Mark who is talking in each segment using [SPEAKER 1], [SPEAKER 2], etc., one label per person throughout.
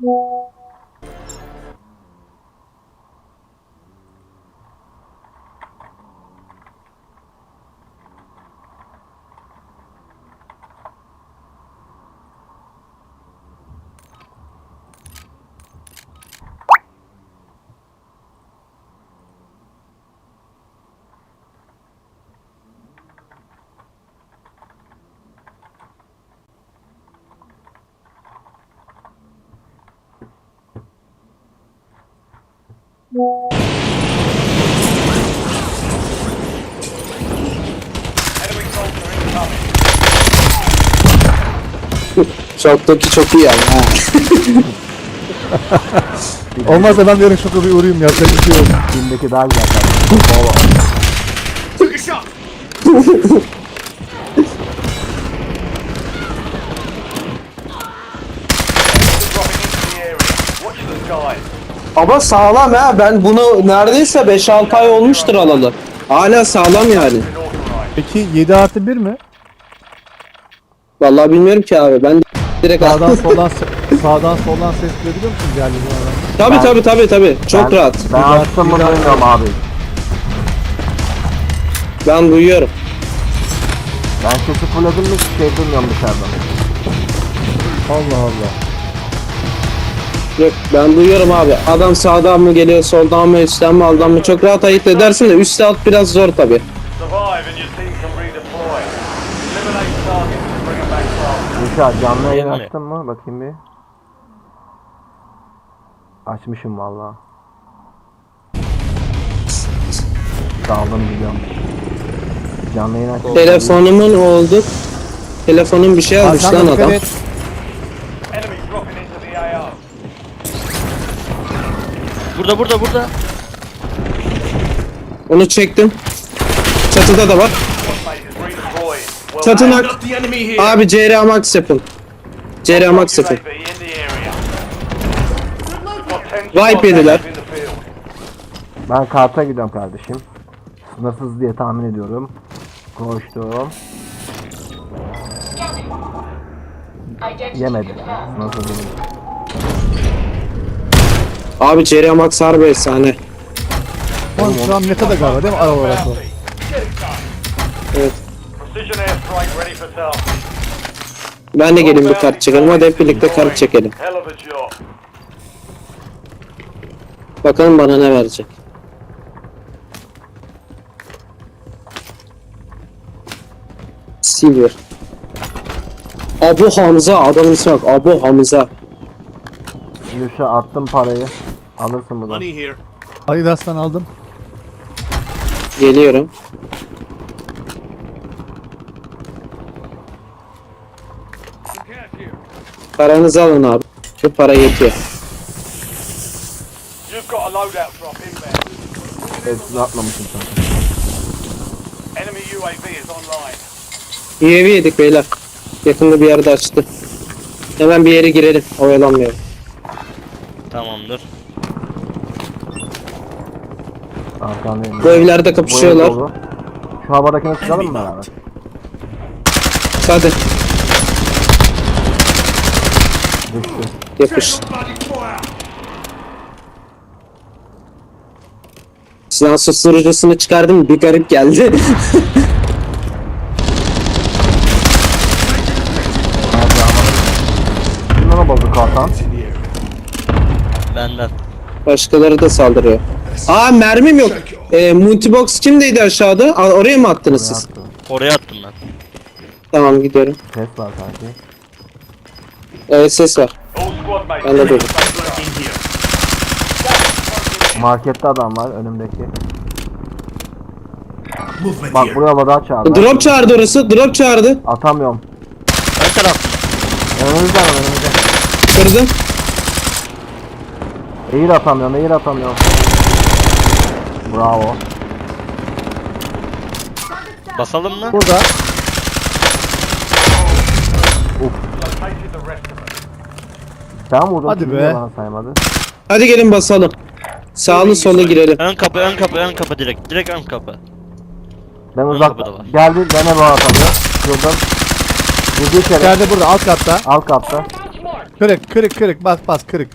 [SPEAKER 1] Şoktaki çok iyi ama ha.
[SPEAKER 2] Olmazsa ben yarın şoka bir uğrayayım, yapacak bir şey yok.
[SPEAKER 3] Filmdeki daha güzel kardeşim.
[SPEAKER 1] Ama sağlam ha. Ben bunu neredeyse 5-6 ay olmuştur alalı. Hala sağlam yani.
[SPEAKER 2] Peki 7+1 mi?
[SPEAKER 1] Vallahi bilmiyorum ki abi. Ben direkt
[SPEAKER 2] Sağdan soldan sağdan soldan ses duyabiliyor musun geldiğin yerden?
[SPEAKER 1] Tabi. Çok rahat.
[SPEAKER 3] Ben açtım bunu duymuyorum abi.
[SPEAKER 1] Ben duyuyorum.
[SPEAKER 3] Ben sesi fulladım mı hiç şey duymuyorum dışarıdan.
[SPEAKER 2] Allah Allah.
[SPEAKER 1] Yok ben duyuyorum abi. Adam sağdan mı geliyor, soldan mı, üstten mi, alttan mı çok rahat ayırt edersin de üstte alt biraz zor tabi.
[SPEAKER 3] Gülşah canlı yayın açtın mı? Bakayım bir. Açmışım valla. Daldım biliyorum. Canlı yayın açtım.
[SPEAKER 1] Telefonumun oldu. Telefonun bir şey almış
[SPEAKER 2] Arkanda
[SPEAKER 1] lan
[SPEAKER 2] dikkat
[SPEAKER 1] adam.
[SPEAKER 2] et.
[SPEAKER 4] Burada.
[SPEAKER 1] Onu çektim. Çatıda da var. Çatınak. Abi CR Max yapın. CR Max yapın. Wipe yediler.
[SPEAKER 3] Ben karta gidiyorum kardeşim. Sınırsız diye tahmin ediyorum. Koştum. Yemedim. Sınırsız değil.
[SPEAKER 1] Abi CR Max harbi efsane.
[SPEAKER 2] Oğlum şu an meta'da galiba değil mi? Ara olarak o.
[SPEAKER 1] Evet. Ben de gelin bir kart çekelim. Hadi hep birlikte kart çekelim. Bakalım bana ne verecek. Silver. Abu Hamza. Adamın ismi bak. Abu Hamza.
[SPEAKER 3] Gülşah attım parayı. Alırsın bunu.
[SPEAKER 2] Adidas'tan aldım.
[SPEAKER 1] Geliyorum. Paranızı alın abi. Şu para yetiyor.
[SPEAKER 3] Hepsini atlamışım zaten.
[SPEAKER 1] UAV yedik beyler. Yakında bir yerde açtı. Hemen bir yere girelim. Oyalanmayalım.
[SPEAKER 4] Tamamdır.
[SPEAKER 3] Arkandayım.
[SPEAKER 1] Bu evlerde kapışıyorlar.
[SPEAKER 3] Bu ev dolu. Şu havadakini çıkalım mı beraber?
[SPEAKER 1] Hadi
[SPEAKER 3] Düştü.
[SPEAKER 1] yapış. Silah susturucusunu çıkardım, bir garip geldi.
[SPEAKER 3] Şimdi ona bozuk kartan.
[SPEAKER 4] Benden.
[SPEAKER 1] Başkaları da saldırıyor. Aa mermim yok. Multibox kimdeydi aşağıda? Oraya mı attınız siz?
[SPEAKER 3] Attı.
[SPEAKER 4] Oraya attım ben.
[SPEAKER 1] Tamam gidiyorum.
[SPEAKER 3] Ses var sanki.
[SPEAKER 1] Evet ses var. Ben de duydum.
[SPEAKER 3] Markette adam var önümdeki. Bak buraya havada çağırdı.
[SPEAKER 1] Drop çağırdı orası. Drop çağırdı.
[SPEAKER 3] Atamıyorum.
[SPEAKER 4] Ön taraf.
[SPEAKER 3] Önümüzde var önümüzde.
[SPEAKER 1] Kırdım.
[SPEAKER 3] Eğir atamıyorum. Bravo.
[SPEAKER 4] Basalım mı?
[SPEAKER 2] Burada.
[SPEAKER 3] Sen vurdun.
[SPEAKER 2] Hadi
[SPEAKER 3] şimdi
[SPEAKER 2] be.
[SPEAKER 3] Bana saymadı.
[SPEAKER 1] Hadi gelin basalım. Sağlı sola girelim.
[SPEAKER 4] Ön kapı direkt. Direkt ön kapı.
[SPEAKER 3] Ben
[SPEAKER 4] kapıda
[SPEAKER 3] uzakta.
[SPEAKER 4] var.
[SPEAKER 3] Geldi bana bu atamıyor. Şuradan. Girdi içeri.
[SPEAKER 2] İçeride burada alt katta.
[SPEAKER 3] Alt katta.
[SPEAKER 2] Kırık. Bas kırık.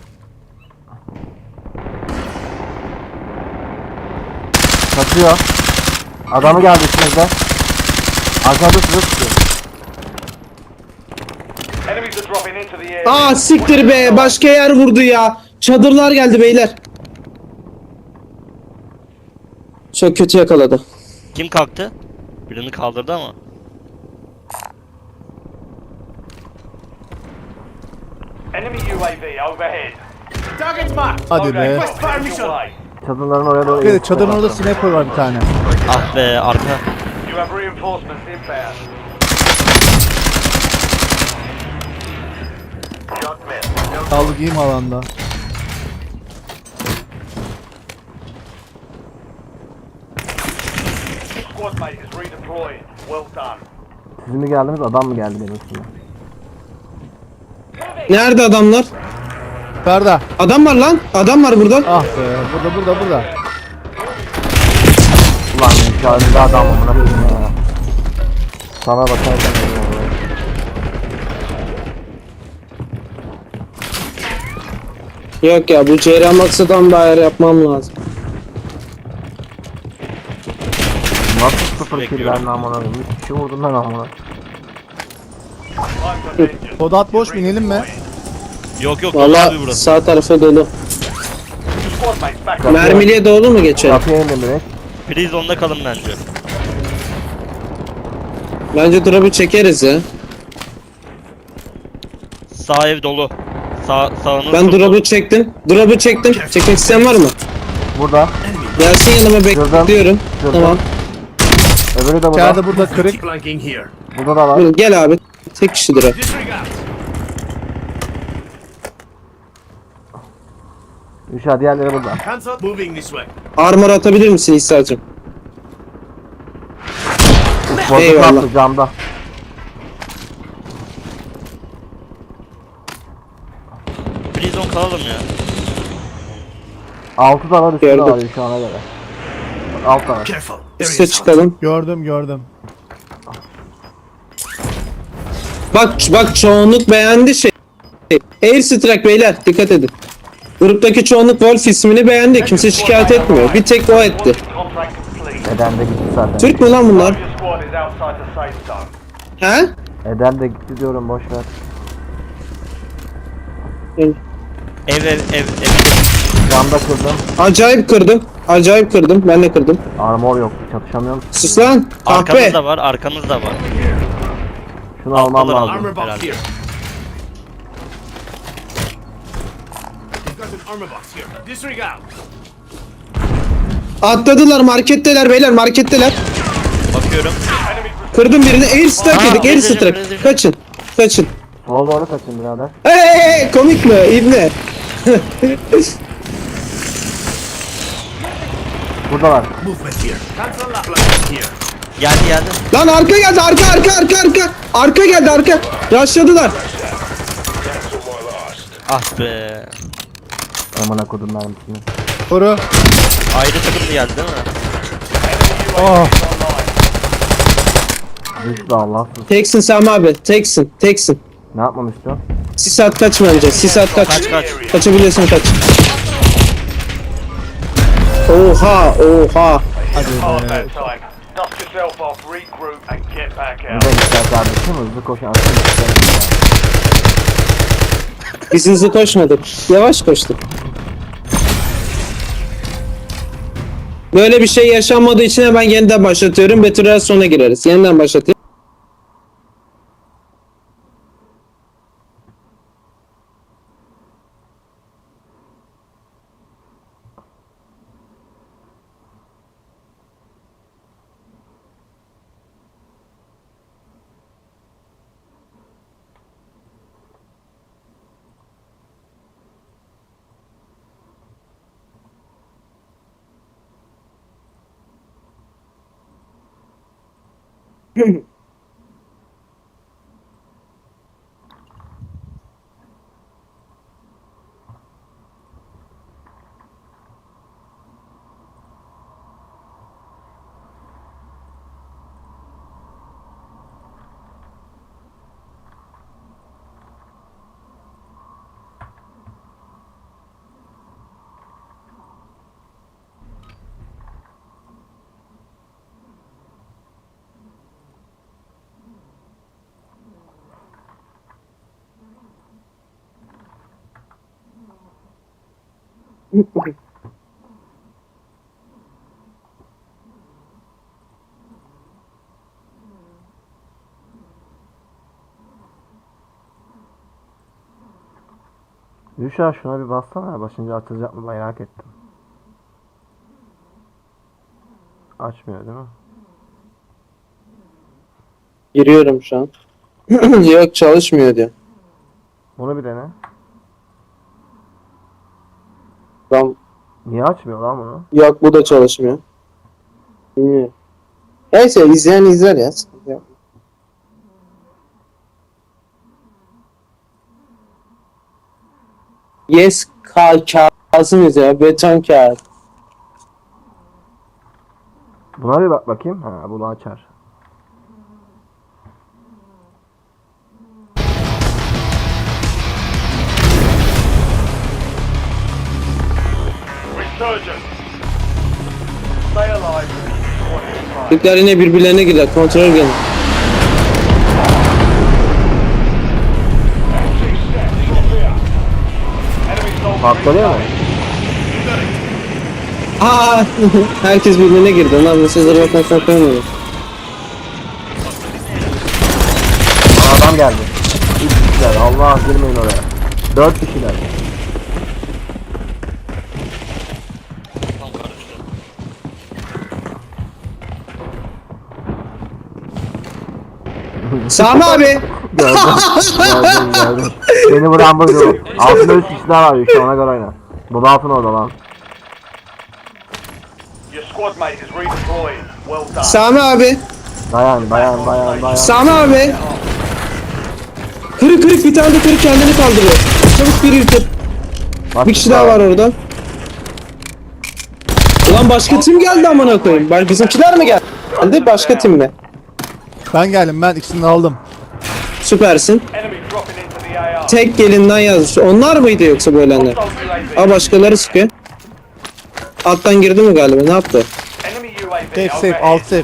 [SPEAKER 3] Kaçıyor. Adamı geldi içimizde. Arkada size tutuyor.
[SPEAKER 5] Enemies are dropping into the area.
[SPEAKER 1] Aa siktir be, başka yer vurdu ya. Çadırlar geldi beyler. Çok kötü yakaladı.
[SPEAKER 4] Kim kalktı? Birini kaldırdı ama.
[SPEAKER 5] Enemy UAV overhead. Target's marked.
[SPEAKER 2] Hadi be.
[SPEAKER 5] West fire mission.
[SPEAKER 3] Çadırların oraya doğru.
[SPEAKER 2] Evet, çadırın orada sniper var bir tane.
[SPEAKER 4] Ah be arka.
[SPEAKER 5] You have reinforcements inbound. Shot missed.
[SPEAKER 2] Sağlık iyi mi alanda?
[SPEAKER 5] Squad mate is redeploying. Well done.
[SPEAKER 3] Siz mi geldiniz, adam mı geldi benim üstüme?
[SPEAKER 1] Nerede adamlar?
[SPEAKER 2] Yukarıda.
[SPEAKER 1] Adam var lan. Adam var burada.
[SPEAKER 2] Ah be. Burada.
[SPEAKER 3] Ulan mükemmel adam amına koyayım ya. Sana bakarsan
[SPEAKER 1] Yok ya, bu Ceyran Maksa'dan bir ayar yapmam lazım.
[SPEAKER 3] nasıl sıfır
[SPEAKER 4] Bekliyorum.
[SPEAKER 3] killer amına koyayım. 3 kişi vurdum ben amına.
[SPEAKER 5] Time for vengeance.
[SPEAKER 2] Kodat boş, binelim mi?
[SPEAKER 4] Yok
[SPEAKER 1] Valla
[SPEAKER 4] abi burası.
[SPEAKER 1] sağ tarafa dolu.
[SPEAKER 5] Squad mates back.
[SPEAKER 1] Mermiliye dolu mu geçelim?
[SPEAKER 3] Kapıya indim direkt.
[SPEAKER 4] Prison'da kalın bence.
[SPEAKER 1] Bence drop'u çekeriz ya.
[SPEAKER 4] Sağ ev dolu. Sağınız
[SPEAKER 1] Ben
[SPEAKER 4] çok dolu.
[SPEAKER 1] drop'u çektim. Drop'u çektim. Çekmek isteyen var mı?
[SPEAKER 3] Burada.
[SPEAKER 1] Gelsin yanıma, bekliyorum.
[SPEAKER 3] Gördüm.
[SPEAKER 1] Tamam.
[SPEAKER 3] Öbürü de burada.
[SPEAKER 2] İçeride burada kırık.
[SPEAKER 5] Flanking here.
[SPEAKER 3] Burada da var.
[SPEAKER 1] Buyurun, gel abi. Tek kişidir o.
[SPEAKER 5] Disregard.
[SPEAKER 3] Üşa diğerleri burada.
[SPEAKER 5] Hands up. Moving this way.
[SPEAKER 1] Armor atabilir misin İsa'cığım?
[SPEAKER 3] Bozuk
[SPEAKER 1] Eyvallah.
[SPEAKER 3] attı camda.
[SPEAKER 4] Prison kalalım ya.
[SPEAKER 3] 6 da var, üstü de
[SPEAKER 1] Gördüm.
[SPEAKER 3] var şu ana göre. Alt da var.
[SPEAKER 5] Careful.
[SPEAKER 1] Üste çıkalım.
[SPEAKER 2] Gördüm.
[SPEAKER 1] Bak çoğunluk beğendi şey. Air Strike beyler, dikkat edin. Gruptaki çoğunluk Wolf ismini beğendi. Kimse şikayet etmiyor. Bir tek o etti.
[SPEAKER 5] Contract complete.
[SPEAKER 3] Eden de gitti zaten.
[SPEAKER 1] Türk mü lan bunlar?
[SPEAKER 5] Your squad is outside the safe zone.
[SPEAKER 1] He?
[SPEAKER 3] Eden de gitti diyorum, boş ver.
[SPEAKER 4] Ev.
[SPEAKER 3] Camda kırdım.
[SPEAKER 1] Acayip kırdım. Ben de kırdım.
[SPEAKER 3] Armor yok. Çatışamıyorum.
[SPEAKER 1] Sus lan.
[SPEAKER 4] Arkamız
[SPEAKER 1] Kahpe.
[SPEAKER 4] da var, arkamız da var.
[SPEAKER 3] Şunu almam
[SPEAKER 4] Alttalar,
[SPEAKER 3] lazım.
[SPEAKER 5] Armor box
[SPEAKER 4] Herhalde.
[SPEAKER 5] here. You've got an armor box here. Disregard.
[SPEAKER 1] Atladılar, marketteler beyler, marketteler.
[SPEAKER 4] Bakıyorum.
[SPEAKER 5] Enemy
[SPEAKER 1] Kırdım birini. Air Strike
[SPEAKER 4] Aa,
[SPEAKER 1] yedik. Air
[SPEAKER 4] rezil,
[SPEAKER 1] Strike.
[SPEAKER 4] rezil.
[SPEAKER 1] Kaçın.
[SPEAKER 3] Sola doğru kaçın birader.
[SPEAKER 1] Hey, komik mi? İbne.
[SPEAKER 3] Burada var.
[SPEAKER 5] movement here. Cancel that. Flanking here.
[SPEAKER 4] Geldi.
[SPEAKER 1] Lan arka geldi. Arka. Arka geldi, arka. Rushladılar.
[SPEAKER 4] Ah be.
[SPEAKER 3] Amına kodum mermisini.
[SPEAKER 2] Koru.
[SPEAKER 4] Ayrı takım geldi değil mi?
[SPEAKER 2] Oh.
[SPEAKER 3] Düştü Allahsız.
[SPEAKER 1] Teksin Sami abi. Teksin.
[SPEAKER 3] Ne yapmam istiyorsun?
[SPEAKER 1] Sis at kaç bence. Sis at kaç.
[SPEAKER 4] Kaç.
[SPEAKER 1] Kaçabiliyorsun kaç. Oha.
[SPEAKER 5] Hard that time. Dust yourself off, regroup, and get back
[SPEAKER 3] Ne
[SPEAKER 5] out.
[SPEAKER 3] de ister kardeşim, hızlı koşan.
[SPEAKER 1] Biz hızlı koşmadık. Yavaş koştuk. Böyle bir şey yaşanmadığı için hemen yeniden başlatıyorum. Betüler sona gireriz. Yeniden başlatayım.
[SPEAKER 3] Yuşa şuna bir bassana. Başınca açılacak mı merak ettim. Açmıyor değil mi?
[SPEAKER 1] Giriyorum şu an. Yok çalışmıyor diyor.
[SPEAKER 3] Bunu bir dene.
[SPEAKER 1] Tamam.
[SPEAKER 3] Niye açmıyor lan bunu?
[SPEAKER 1] Yok bu da çalışmıyor. Bilmiyorum. Neyse izleyen izler ya. Sıkıntı yok. Yes Kazım'ız ya. Beton kağıt.
[SPEAKER 3] Buna bir bak bakayım. Ha bunu açar.
[SPEAKER 5] Resurgence. Stay alive. What is fine.
[SPEAKER 1] Türkler yine birbirlerine girer. Kontrol gelin.
[SPEAKER 5] Enemy soldiers
[SPEAKER 3] Patlıyor mu?
[SPEAKER 1] Aa, herkes birbirine girdi. Lan bu sözleri bakmak korkmuyorum.
[SPEAKER 3] Adam geldi. 3 kişiler. Allah girmeyin oraya. 4 kişiler.
[SPEAKER 1] Sami abi.
[SPEAKER 3] Gördüm. Beni vuran buydu. Altında 3 kişiler var işte ona göre oyna. Bu da altın orada lan.
[SPEAKER 5] Your squad mate is redeployed. Well done.
[SPEAKER 1] Sami abi.
[SPEAKER 3] Dayan.
[SPEAKER 1] Sami abi. Kırık bir tane de kırık kendini kaldırıyor. Çabuk biri yutun. Bir kişi daha var orada. Ulan başka tim geldi amına koyayım. Bizimkiler mi geldi? Başka tim mi?
[SPEAKER 2] Ben geldim, ben ikisini de aldım.
[SPEAKER 1] Süpersin.
[SPEAKER 5] Enemy dropping into the AR.
[SPEAKER 1] Tek gelinden yazmış. Onlar mıydı yoksa bu ölenler?
[SPEAKER 5] Hostile UAV.
[SPEAKER 1] Aa başkaları sıkıyor. Alttan girdi mi galiba? Ne yaptı?
[SPEAKER 5] Enemy UAV
[SPEAKER 2] Safe,
[SPEAKER 5] overhead.
[SPEAKER 2] alt safe.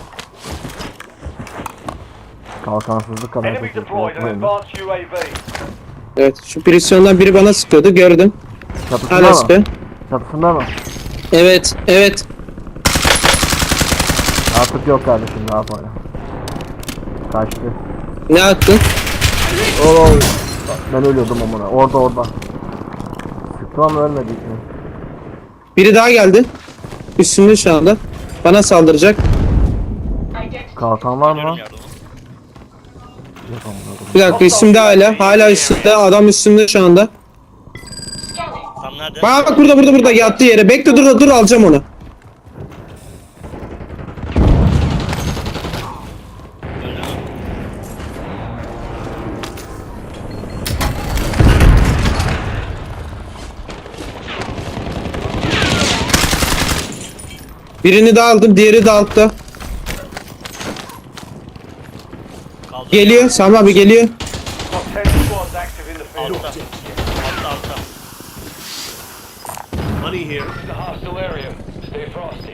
[SPEAKER 3] Kalkansızlık kadar.
[SPEAKER 5] Enemy deployed an advanced UAV.
[SPEAKER 1] Evet şu prisyondan biri bana sıkıyordu gördüm.
[SPEAKER 3] Çatısında
[SPEAKER 1] Hala
[SPEAKER 3] mı?
[SPEAKER 1] sıkıyor.
[SPEAKER 3] Çatısında mı?
[SPEAKER 1] Evet.
[SPEAKER 3] Artık yok kardeşim ne yapalım. Kaçtı.
[SPEAKER 1] Ne attın?
[SPEAKER 3] Oo. Ben ölüyordum amına. Orada. Sıktım ama ölmedi.
[SPEAKER 1] Biri daha geldi. Üstünde şu anda. Bana saldıracak.
[SPEAKER 3] Kalkan var mı?
[SPEAKER 4] Yardım.
[SPEAKER 3] Yok amına.
[SPEAKER 1] Bir dakika üstümde hala üstümde. Adam üstümde şu anda.
[SPEAKER 4] Tam nerede?
[SPEAKER 1] Bak burada yattığı yere. Bekle dur alacağım onu. Birini de aldım, diğeri de altta.
[SPEAKER 4] Kaldı.
[SPEAKER 1] Geliyor, Sami abi geliyor.
[SPEAKER 5] Got 10 squads active in the field.
[SPEAKER 4] Altta.
[SPEAKER 5] This is a hostile area. Stay frosty.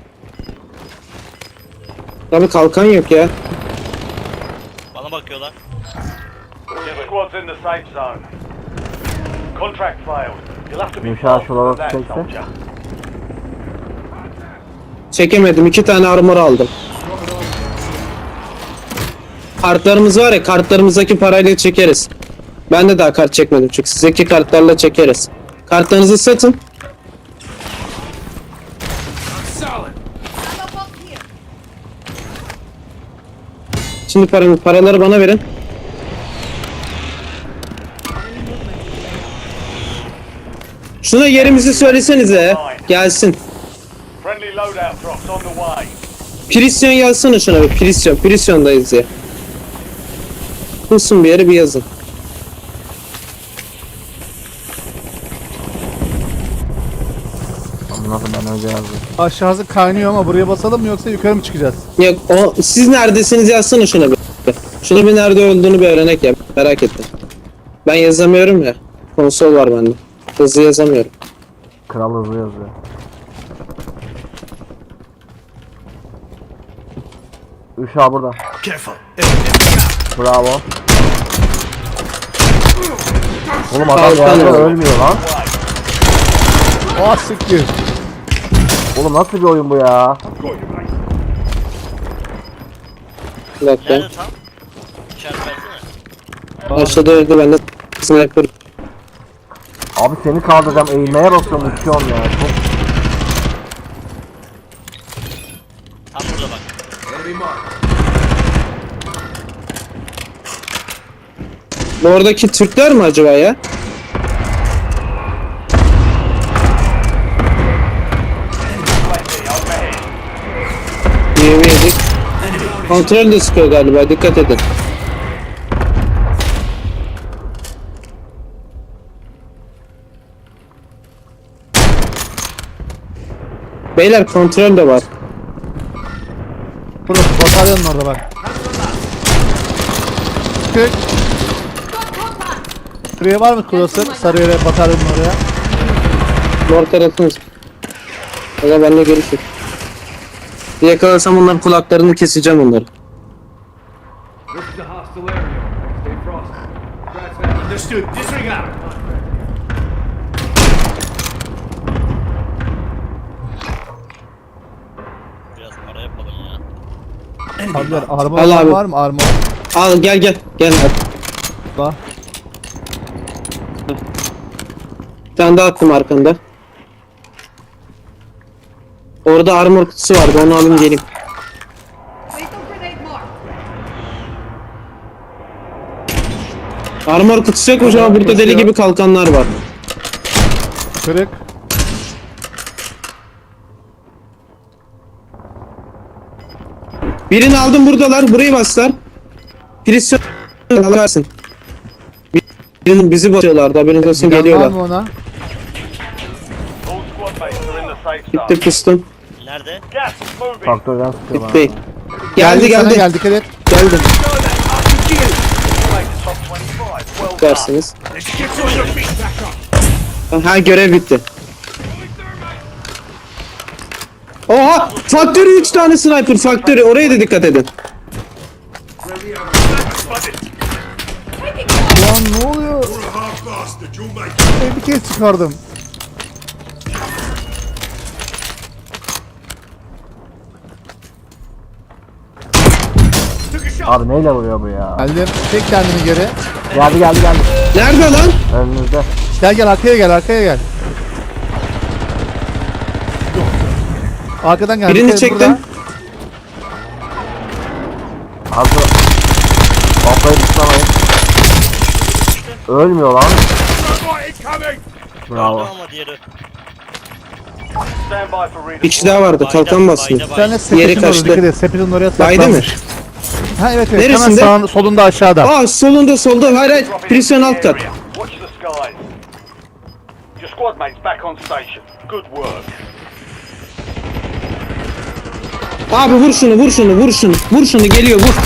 [SPEAKER 1] Abi kalkan yok ya.
[SPEAKER 4] Bana bakıyorlar.
[SPEAKER 5] Your squad's in the safe zone. Contract failed. You'll have to be
[SPEAKER 3] Yumuşağı
[SPEAKER 5] faster
[SPEAKER 3] şuralara
[SPEAKER 5] than that,
[SPEAKER 3] çekse.
[SPEAKER 5] soldier.
[SPEAKER 1] Çekemedim, 2 tane armor aldım. Kartlarımız var ya, kartlarımızdaki parayla çekeriz. Ben de daha kart çekmedim çünkü sizdeki kartlarla çekeriz. Kartlarınızı satın. Şimdi paraları bana verin. Şuna yerimizi söylesenize. Gelsin.
[SPEAKER 5] Friendly loadout drops on the way.
[SPEAKER 1] Prisyon yazsana şuna bir. Prisyondayız ya. Bulsun bir yere bir yazın.
[SPEAKER 3] Nasıl ben önce yazdım.
[SPEAKER 2] Aşağısı kaynıyor ama buraya basalım mı yoksa yukarı mı çıkacağız?
[SPEAKER 1] Yok siz neredesiniz yazsana şuna bir. Şuna bir nerede olduğunu bir öğrenek ya. Merak ettim. Ben yazamıyorum ya. Konsol var bende. Hızlı yazamıyorum.
[SPEAKER 3] Kral hızlı yazıyor. Uşağı burada. Bravo. Oğlum adam
[SPEAKER 1] Kalkan
[SPEAKER 3] yerde
[SPEAKER 1] var.
[SPEAKER 3] ölmüyor lan.
[SPEAKER 2] Ah siktir.
[SPEAKER 3] Oğlum nasıl bir oyun bu ya?
[SPEAKER 1] Bir dakika.
[SPEAKER 4] Nerede tam? İşaret versene.
[SPEAKER 1] Aşağıda öldü ben de sniper.
[SPEAKER 3] Abi seni kaldıracağım. Eğilmeye basıyorum. Uçuyorum ya. Çok...
[SPEAKER 4] Tam burada bak.
[SPEAKER 1] Bu oradaki Türkler mi acaba ya? Yemeyedik. Kontrol de sıkıyor galiba, dikkat edin. Beyler kontrol de var.
[SPEAKER 2] Burası bataryonun orada bak. Kök. Şuraya var mı klasör? Sarı yere bataryonun oraya.
[SPEAKER 1] Mor tarafınız. Aga benimle görüşür. Bir yakalasam onların kulaklarını keseceğim onları.
[SPEAKER 6] This is a hostile area. Stay frosty. Understood. Disregard.
[SPEAKER 4] Biraz para yapalım ya.
[SPEAKER 2] Abiler armor
[SPEAKER 1] Al abi.
[SPEAKER 2] var mı? Armor.
[SPEAKER 1] Al gel gel. Gel.
[SPEAKER 2] Bak.
[SPEAKER 1] Bir tane daha attım arkanda. Orada armor kutusu vardı, onu alayım geleyim.
[SPEAKER 7] Lethal grenade marked.
[SPEAKER 1] Armor kutusu yokmuş ama burada deli gibi kalkanlar var.
[SPEAKER 2] Kırık.
[SPEAKER 1] Birini aldım, buradalar, burayı bastılar. Prisyon alırsın. Birinin bizi basıyorlardı, haberiniz olsun,
[SPEAKER 2] Giden var
[SPEAKER 1] geliyorlar.
[SPEAKER 2] mı ona?
[SPEAKER 5] All squad mates are in the safe zone.
[SPEAKER 1] Gitti pistol.
[SPEAKER 4] Nerede?
[SPEAKER 5] Gas is moving.
[SPEAKER 3] Faktörden sıkıyor bana.
[SPEAKER 1] Gitti. Geldi
[SPEAKER 2] Sana
[SPEAKER 1] geldi.
[SPEAKER 2] gel dikkat et.
[SPEAKER 1] Geldi.
[SPEAKER 5] Make the top 25. Well done.
[SPEAKER 1] Dersiniz. Ha, görev bitti. Oha! Faktörü 3 tane sniper faktörü, oraya da dikkat edin.
[SPEAKER 2] Lan ne oluyor? Bir kez çıkardım.
[SPEAKER 3] Abi neyle vuruyor bu ya?
[SPEAKER 2] Geldim. Çek kendini geri.
[SPEAKER 3] Geldi geldi geldi.
[SPEAKER 1] Nerede lan?
[SPEAKER 3] Önünüzde.
[SPEAKER 2] Gel gel arkaya gel arkaya gel. Arkadan gel.
[SPEAKER 1] Birini
[SPEAKER 2] dikkat et
[SPEAKER 1] çektim.
[SPEAKER 2] burada.
[SPEAKER 3] Hazır. Bombayı tutamayın. Ölmüyor lan. Bravo.
[SPEAKER 4] Ama diğeri.
[SPEAKER 5] Stand by for
[SPEAKER 1] Bir
[SPEAKER 5] redeploy.
[SPEAKER 1] kişi daha vardı, kalkan basıyor.
[SPEAKER 2] Bir tane
[SPEAKER 1] Yeri
[SPEAKER 2] sepetin orada
[SPEAKER 1] kaçtı.
[SPEAKER 2] dikkat et. Sepetin oraya
[SPEAKER 1] Baydı mı?
[SPEAKER 2] saklanmış. Ha evet evet.
[SPEAKER 1] Neresinde?
[SPEAKER 2] Hemen solunda aşağıda.
[SPEAKER 1] Aa solda, hayır hayır,
[SPEAKER 5] Drop into
[SPEAKER 1] prisyon
[SPEAKER 5] the
[SPEAKER 1] alt kat.
[SPEAKER 5] area. Watch the skies. Your squad mates back on station. Good work.
[SPEAKER 1] Abi vur şunu, geliyor vur.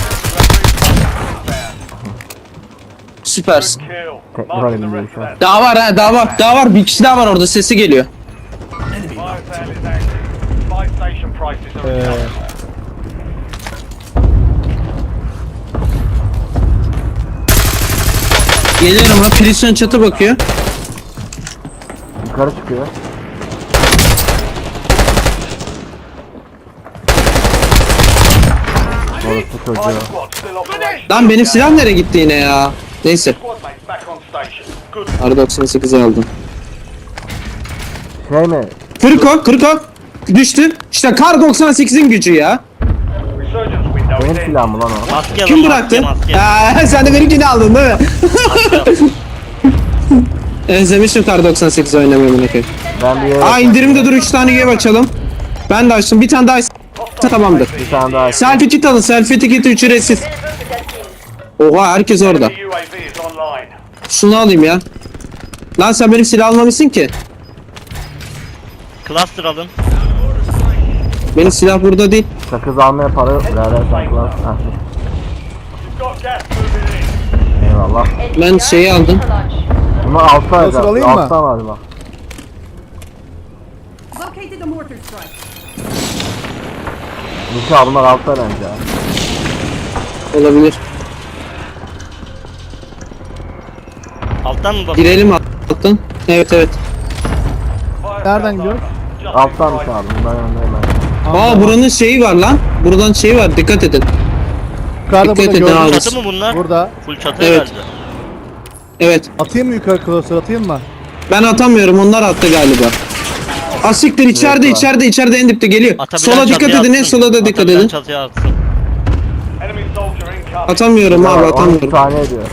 [SPEAKER 1] Süpersin.
[SPEAKER 5] Kill.
[SPEAKER 3] Tekrar
[SPEAKER 5] Marking the
[SPEAKER 3] elimde
[SPEAKER 5] rest
[SPEAKER 3] şu
[SPEAKER 5] of
[SPEAKER 3] an.
[SPEAKER 5] that.
[SPEAKER 1] Daha var, bir kişi daha var orada, sesi geliyor.
[SPEAKER 5] Fire sale is active. Buy station prices are adjusted.
[SPEAKER 1] Geliyorum ha, prisyon çatı bakıyor.
[SPEAKER 3] Yukarı çıkıyor. Orası
[SPEAKER 5] Five
[SPEAKER 3] çocuğu.
[SPEAKER 5] squads still operational.
[SPEAKER 1] Lan benim silah nereye gitti yine ya? Neyse,
[SPEAKER 5] Squad mates back on station. Good.
[SPEAKER 1] R98'i aldım.
[SPEAKER 3] Şey mi?
[SPEAKER 1] Kırık o. Düştü. İşte Kar 98'in gücü ya.
[SPEAKER 5] Resurgence window
[SPEAKER 3] Benim
[SPEAKER 5] is in.
[SPEAKER 3] silahım lan o.
[SPEAKER 4] Maske
[SPEAKER 1] Kim
[SPEAKER 4] alın,
[SPEAKER 1] bıraktı?
[SPEAKER 4] maske.
[SPEAKER 1] Ha, sen de benimkini aldın değil mi? Özlemişim Kar 98 oynamayı bunu koyayım.
[SPEAKER 3] Ben bir yere...
[SPEAKER 1] Aa indirimde dur, 3 tane üye açalım. Ben de açtım. Bir tane daha tamamdır.
[SPEAKER 3] Bir tane daha.
[SPEAKER 1] Selfie kit alın. Selfie kit ücretsiz. Oha, herkes orada.
[SPEAKER 5] The UAV is online.
[SPEAKER 1] Şunu alayım ya. Lan sen benim silah almamışsın ki.
[SPEAKER 4] Cluster alın.
[SPEAKER 1] Benim silah burada değil.
[SPEAKER 3] Sakız almaya para yok. Birader saklar. Heh,
[SPEAKER 5] You've got gas moving in.
[SPEAKER 3] eyvallah.
[SPEAKER 1] Ben şeyi aldım.
[SPEAKER 3] Bunu altta
[SPEAKER 2] Nasıl
[SPEAKER 3] alacağım.
[SPEAKER 2] alayım mı?
[SPEAKER 3] Altta var bak.
[SPEAKER 7] Located a mortar strike.
[SPEAKER 3] Nişan bunlar altta bence.
[SPEAKER 1] Olabilir.
[SPEAKER 4] Alttan mı bakın?
[SPEAKER 1] Girelim alttan. Evet.
[SPEAKER 5] Fire
[SPEAKER 2] Nereden gidiyoruz?
[SPEAKER 3] Alttanmış abi. Bundan yanındayım ben.
[SPEAKER 1] Aa buranın şeyi var lan. Buradan şeyi var, dikkat edin.
[SPEAKER 2] Yukarıda
[SPEAKER 1] Dikkat
[SPEAKER 2] burada
[SPEAKER 1] edin
[SPEAKER 2] gördüm.
[SPEAKER 1] abi.
[SPEAKER 4] Çatı mı bunlar?
[SPEAKER 2] Burada.
[SPEAKER 4] Full çatı
[SPEAKER 1] Evet.
[SPEAKER 4] herhalde.
[SPEAKER 1] Evet.
[SPEAKER 2] Atayım mı yukarı klasör, atayım mı?
[SPEAKER 1] Ben atamıyorum, onlar attı galiba. Asiktir içeride,
[SPEAKER 3] Evet,
[SPEAKER 1] içeride en dipte geliyor.
[SPEAKER 4] Atabilen
[SPEAKER 1] Sola dikkat
[SPEAKER 4] çatıya
[SPEAKER 1] edin,
[SPEAKER 4] atsın.
[SPEAKER 1] sola da dikkat
[SPEAKER 4] Atabilen
[SPEAKER 1] edin.
[SPEAKER 4] çatıya atsın.
[SPEAKER 5] Enemy soldier incoming.
[SPEAKER 1] Atamıyorum abi,
[SPEAKER 3] 12
[SPEAKER 1] atamıyorum.
[SPEAKER 3] saniye diyor.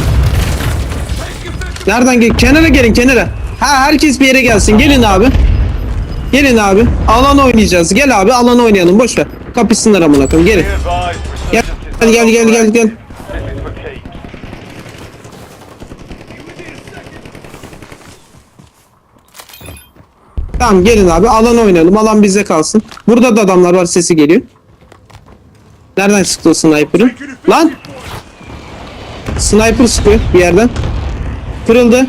[SPEAKER 1] Nereden gel? Kenara gelin, kenara. Ha herkes bir yere gelsin. Gelin abi. Gelin abi. Alan oynayacağız. Gel abi, alan oynayalım. Boş ver. Kapışsınlar amına koyayım. Gelin.
[SPEAKER 5] Be advised,
[SPEAKER 1] Gel.
[SPEAKER 5] resurgence is
[SPEAKER 1] Gel.
[SPEAKER 5] This is for keeps.
[SPEAKER 1] Tamam gelin abi, alan oynayalım. Alan bize kalsın. Burada da adamlar var, sesi geliyor. Nereden sıktı o sniper'ı? Lan! Sniper sıkıyor bir yerden. Kırıldı.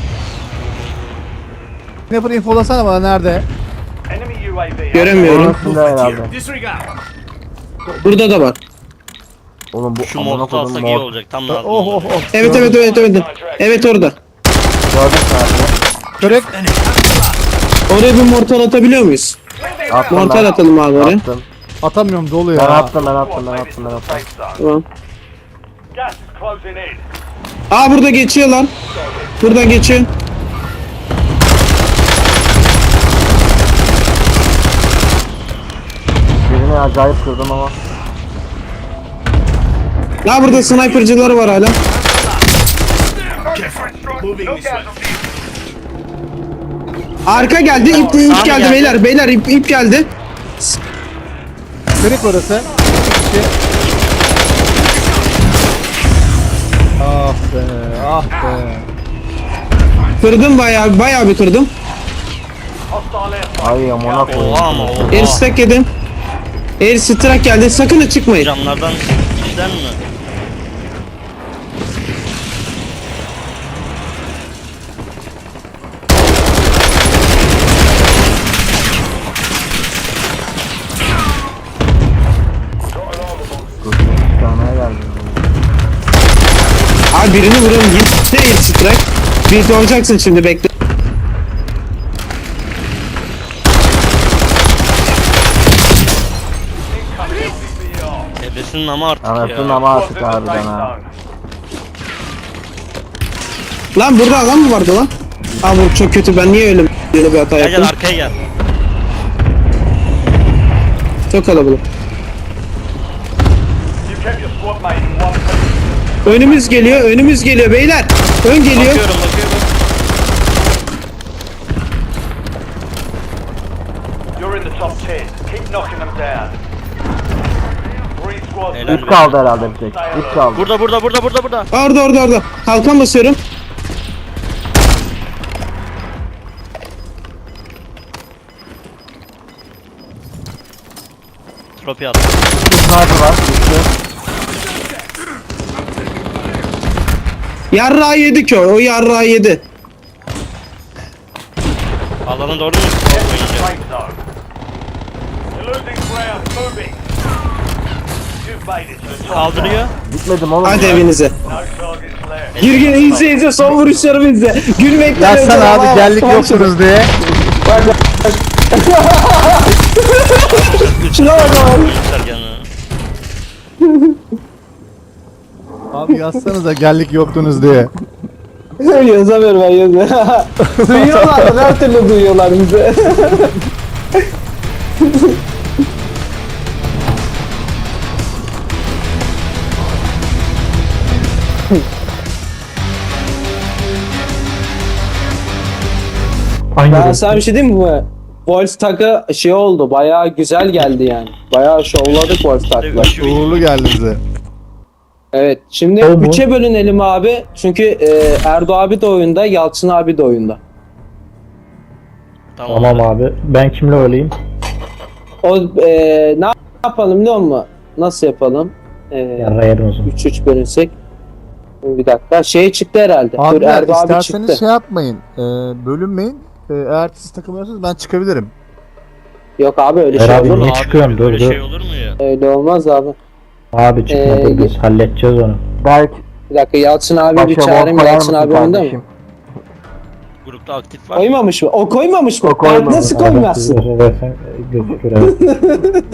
[SPEAKER 2] Sniper infolasana bana nerede?
[SPEAKER 5] Enemy UAV.
[SPEAKER 1] Göremiyorum.
[SPEAKER 3] Orasında herhalde.
[SPEAKER 6] Disregard.
[SPEAKER 1] Burada da var.
[SPEAKER 3] Oğlum bu
[SPEAKER 4] Şu
[SPEAKER 3] amına
[SPEAKER 4] mortu
[SPEAKER 3] koydum
[SPEAKER 4] alsak iyi
[SPEAKER 3] mor.
[SPEAKER 4] olacak. Tam lazım.
[SPEAKER 2] Oh oh oh.
[SPEAKER 1] Evet. Evet orada.
[SPEAKER 3] Gördün mü abi?
[SPEAKER 2] Kırık.
[SPEAKER 1] Oraya bir mortal atabiliyor muyuz?
[SPEAKER 3] Attım
[SPEAKER 1] Mortal
[SPEAKER 3] ben.
[SPEAKER 1] atalım abi oraya.
[SPEAKER 3] Attım.
[SPEAKER 2] Atamıyorum, dolu
[SPEAKER 3] Ben
[SPEAKER 2] ya.
[SPEAKER 3] attım.
[SPEAKER 5] Take this to the safe zone.
[SPEAKER 1] Tamam.
[SPEAKER 5] Gas is closing in.
[SPEAKER 1] Aa burada geçiyorlar. Buradan geçiyor.
[SPEAKER 3] Birini acayip kırdım ama.
[SPEAKER 1] Ya burada snipercıları var hala. Arka geldi, ip geldi
[SPEAKER 4] geldi.
[SPEAKER 1] beyler ip geldi.
[SPEAKER 2] Kırık orası. İki. Ah be, ah be.
[SPEAKER 1] Kırdım bayağı bir kırdım.
[SPEAKER 5] Hostile airstrike.
[SPEAKER 3] Ay amına koyayım.
[SPEAKER 4] Oha ama oha.
[SPEAKER 1] Air stack yedim. Air strike geldi, sakın ha çıkmayın.
[SPEAKER 4] Camlardan işler mi?
[SPEAKER 3] Bir tane geldi.
[SPEAKER 1] Abi birini vurun, gitti air strike. Bir olacaksın şimdi, bekle.
[SPEAKER 4] Ebesinin ama artık
[SPEAKER 3] Anasının
[SPEAKER 4] ya.
[SPEAKER 3] ama
[SPEAKER 5] Squads
[SPEAKER 3] artık
[SPEAKER 5] in the
[SPEAKER 3] harbiden
[SPEAKER 5] safe
[SPEAKER 3] ha.
[SPEAKER 5] zone.
[SPEAKER 1] Lan burada adam mı vardı lan? Aa bu çok kötü, ben niye öyle bir hata
[SPEAKER 4] Gel
[SPEAKER 1] yaptım?
[SPEAKER 4] arkaya gel.
[SPEAKER 1] Çok kalabalık.
[SPEAKER 5] You kept your squad mate in one piece.
[SPEAKER 1] Önümüz geliyor beyler. Ön geliyor.
[SPEAKER 4] Bakıyorum.
[SPEAKER 5] You're in the top 10. Keep knocking them down. 3 squads
[SPEAKER 4] Helal
[SPEAKER 5] left.
[SPEAKER 3] İp kaldı herhalde bir tek. İp kaldı.
[SPEAKER 4] Burada.
[SPEAKER 1] Orada. Kalkan basıyorum.
[SPEAKER 4] Tropi attı.
[SPEAKER 3] Sniper var. Düştü.
[SPEAKER 1] Yarrağı yedi ki o yarrağı yedi.
[SPEAKER 4] Alanı doğru mu?
[SPEAKER 5] Safe zone. You're losing ground. Moving. You've made it to the top.
[SPEAKER 4] Kaldırıyor.
[SPEAKER 3] Gitmedim oğlum.
[SPEAKER 1] Hadi
[SPEAKER 3] ya.
[SPEAKER 1] evinize.
[SPEAKER 5] No targets left.
[SPEAKER 1] Gir izle son vuruşlarımı izle. Gülmekten
[SPEAKER 2] Yazsana
[SPEAKER 1] öleceğim.
[SPEAKER 2] abi, gellik yoksunuz diye.
[SPEAKER 1] Şuna bak abi.
[SPEAKER 4] Göster kendini.
[SPEAKER 2] Abi yazsanıza gellik yoktunuz diye.
[SPEAKER 1] Yazamıyorum ben yazmıyorum. Duyuyorlar her türlü duyuyorlar bizi. Ben sana bir şey diyeyim mi? Wolf takı şey oldu, bayağı güzel geldi yani. Bayağı şovladık Wolf takla.
[SPEAKER 2] Uğurlu geldi bize.
[SPEAKER 1] Evet, şimdi 3'e bölünelim abi. Çünkü Erdo abi de oyunda, Yalçın abi de oyunda.
[SPEAKER 4] Tamam.
[SPEAKER 8] abi. Ben kimle olayım?
[SPEAKER 1] O ne yapalım biliyor musun? Nasıl yapalım?
[SPEAKER 8] Yarrayarım o zaman.
[SPEAKER 1] 3-3 bölünsek. Bir dakika. Şey çıktı herhalde. Dur
[SPEAKER 2] Abiler
[SPEAKER 1] Erdo abi
[SPEAKER 2] isterseniz
[SPEAKER 1] çıktı.
[SPEAKER 2] şey yapmayın. Bölünmeyin. Eğer siz takılmıyorsanız ben çıkabilirim.
[SPEAKER 1] Yok abi öyle
[SPEAKER 8] Ver
[SPEAKER 1] şey
[SPEAKER 8] abi,
[SPEAKER 1] olur mu?
[SPEAKER 8] niye çıkıyorum? Dur,
[SPEAKER 4] Böyle
[SPEAKER 8] dur.
[SPEAKER 4] şey olur mu ya?
[SPEAKER 1] Öyle olmaz abi.
[SPEAKER 8] Abi çıkma dur, biz halledeceğiz onu.
[SPEAKER 3] Berk.
[SPEAKER 1] Bir dakika Yalçın abi bir
[SPEAKER 3] Başa
[SPEAKER 1] çağırayım.
[SPEAKER 3] bol koyar
[SPEAKER 1] Yalçın
[SPEAKER 3] mısın
[SPEAKER 1] abi oyunda mı?
[SPEAKER 3] kardeşim?
[SPEAKER 4] Grup grupta aktif var.
[SPEAKER 1] Koymamış mı? O koymamış mı?
[SPEAKER 3] O koymamış.
[SPEAKER 1] Nasıl koymazsın?
[SPEAKER 8] Versen gözükür evet.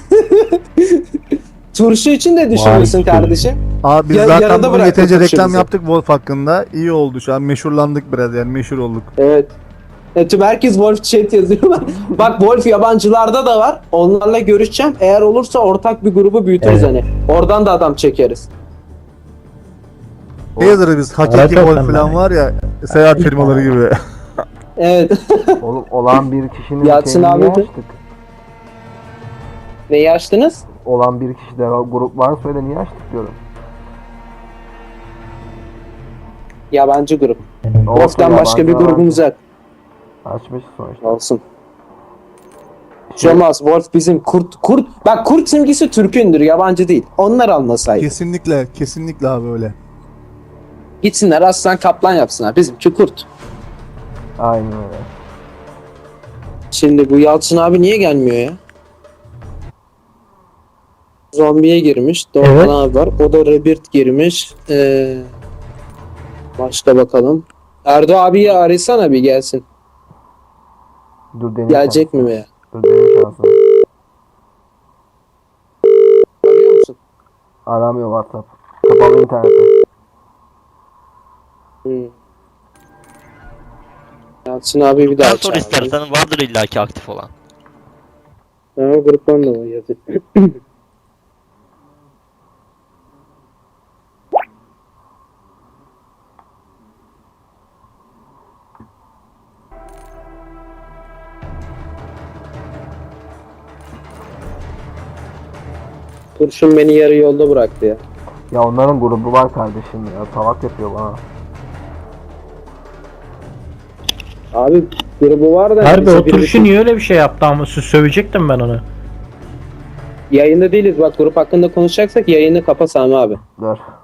[SPEAKER 1] Turşu için de düşünürsün
[SPEAKER 8] Vay be.
[SPEAKER 1] kardeşim.
[SPEAKER 2] Abi biz
[SPEAKER 1] Ya-
[SPEAKER 2] zaten
[SPEAKER 1] yarıda
[SPEAKER 2] bugün
[SPEAKER 1] bıraktık
[SPEAKER 2] yeterince reklam
[SPEAKER 1] turşumuzu.
[SPEAKER 2] yaptık Wolf hakkında. İyi oldu şu an meşhurlandık biraz yani meşhur olduk.
[SPEAKER 1] Evet. Tüm herkes Wolf chat yazıyorlar. Bak Wolf yabancılarda da var. Onlarla görüşeceğim. Eğer olursa ortak bir grubu büyütürüz
[SPEAKER 8] Evet.
[SPEAKER 1] hani. Oradan da adam çekeriz.
[SPEAKER 2] Ne yazarız biz? Hakiki
[SPEAKER 8] Evet,
[SPEAKER 2] Wolf
[SPEAKER 8] evet,
[SPEAKER 2] falan
[SPEAKER 8] ben-
[SPEAKER 2] var ya seyahat firmaları gibi.
[SPEAKER 1] Evet.
[SPEAKER 3] Oğlum olan bir kişinin
[SPEAKER 1] Yatsın
[SPEAKER 3] şeyini
[SPEAKER 1] abi
[SPEAKER 3] niye
[SPEAKER 1] de.
[SPEAKER 3] açtık?
[SPEAKER 1] Neyi açtınız?
[SPEAKER 3] Olan bir kişide grup varsa öyle niye açtık diyorum.
[SPEAKER 1] Yabancı grup.
[SPEAKER 3] Olsun,
[SPEAKER 1] Wolf'tan başka bir
[SPEAKER 3] yabancılar
[SPEAKER 1] grubumuz yok.
[SPEAKER 3] Açmış sonuçta.
[SPEAKER 1] Olsun. Olmaz. Wolf bizim kurt. Bak kurt simgesi Türk'ündür. Yabancı değil. Onlar almasaydı.
[SPEAKER 2] Kesinlikle, kesinlikle abi öyle.
[SPEAKER 1] Gitsinler aslan kaplan yapsınlar. Bizimki kurt.
[SPEAKER 3] Aynen öyle.
[SPEAKER 1] Şimdi bu Yalçın abi niye gelmiyor ya? Zombiye girmiş. Doğan
[SPEAKER 8] Evet.
[SPEAKER 1] abi var. O da Rebirth girmiş. Başka bakalım. Erdo abiyi arasana bir gelsin.
[SPEAKER 3] Dur deneyim.
[SPEAKER 1] Gelecek mi veya?
[SPEAKER 3] Dur deneyim şansını.
[SPEAKER 1] Arıyor musun?
[SPEAKER 3] Aramıyor WhatsApp. Kapalı internette.
[SPEAKER 1] Yalçın abi bir daha
[SPEAKER 4] Sen sor
[SPEAKER 1] çağır.
[SPEAKER 4] istersen vardır illaki aktif olan.
[SPEAKER 1] Ha, gruptan da var yazıyor. Kurşun beni yarı yolda bıraktı ya.
[SPEAKER 3] Ya onların grubu var kardeşim ya. Salak yapıyor bana.
[SPEAKER 1] Abi grubu var da.
[SPEAKER 8] Harbi
[SPEAKER 1] bize
[SPEAKER 8] o
[SPEAKER 1] biri-
[SPEAKER 8] turşu niye öyle bir şey yaptı ama sövecektim ben onu.
[SPEAKER 1] Yayında değiliz bak grup hakkında konuşacaksak yayını kapa Sami abi.
[SPEAKER 3] Dur.